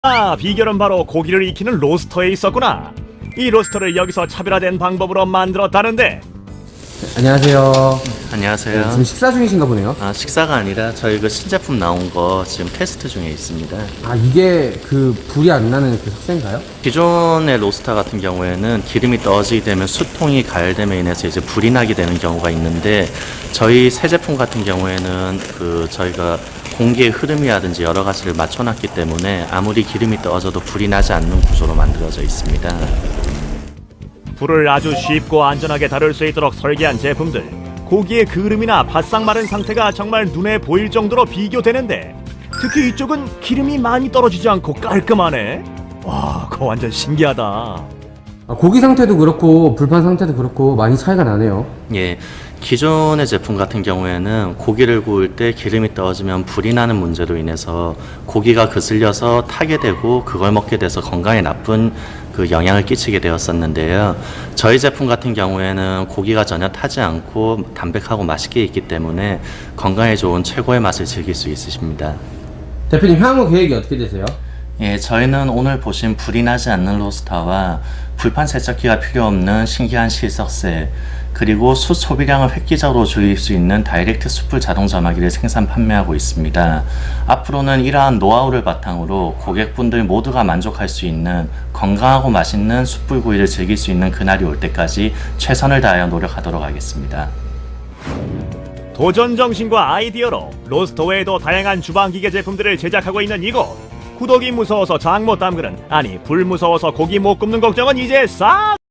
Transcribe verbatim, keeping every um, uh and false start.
아, 비결은 바로 고기를 익히는 로스터에 있었구나. 이 로스터를 여기서 차별화된 방법으로 만들었다는데. 안녕하세요. 안녕하세요. 네, 지금 식사 중이신가 보네요. 아, 식사가 아니라 저희 그 신제품 나온 거 지금 테스트 중에 있습니다. 아, 이게 그 불이 안 나는 그 석쇠인가요? 기존의 로스터 같은 경우에는 기름이 떨어지게 되면 수통이 가열됨에 인해서 이제 불이 나게 되는 경우가 있는데, 저희 새 제품 같은 경우에는 그 저희가 공기의 흐름이라든지 여러 가지를 맞춰놨기 때문에 아무리 기름이 떨어져도 불이 나지 않는 구조로 만들어져 있습니다. 불을 아주 쉽고 안전하게 다룰 수 있도록 설계한 제품들. 고기의 그름이나 바싹 마른 상태가 정말 눈에 보일 정도로 비교되는데, 특히 이쪽은 기름이 많이 떨어지지 않고 깔끔하네. 와, 그거 완전 신기하다. 아, 고기 상태도 그렇고 불판 상태도 그렇고 많이 차이가 나네요. 예, 기존의 제품 같은 경우에는 고기를 구울 때 기름이 떨어지면 불이 나는 문제로 인해서 고기가 그슬려서 타게 되고 그걸 먹게 돼서 건강에 나쁜 그 영향을 끼치게 되었었는데요. 저희 제품 같은 경우에는 고기가 전혀 타지 않고 담백하고 맛있게 익기 때문에 건강에 좋은 최고의 맛을 즐길 수 있으십니다. 대표님, 향후 계획이 어떻게 되세요? 예, 저희는 오늘 보신 불이 나지 않는 로스터와 불판 세척기가 필요 없는 신기한 실석쇠, 그리고 숯 소비량을 획기적으로 줄일 수 있는 다이렉트 숯불 자동 점화기를 생산 판매하고 있습니다. 앞으로는 이러한 노하우를 바탕으로 고객분들 모두가 만족할 수 있는 건강하고 맛있는 숯불 구이를 즐길 수 있는 그날이 올 때까지 최선을 다하여 노력하도록 하겠습니다. 도전 정신과 아이디어로 로스터 외에도 다양한 주방기계 제품들을 제작하고 있는 이곳. 구독이 무서워서 장 못 담그는, 아니 불 무서워서 고기 못 굽는 걱정은 이제 싹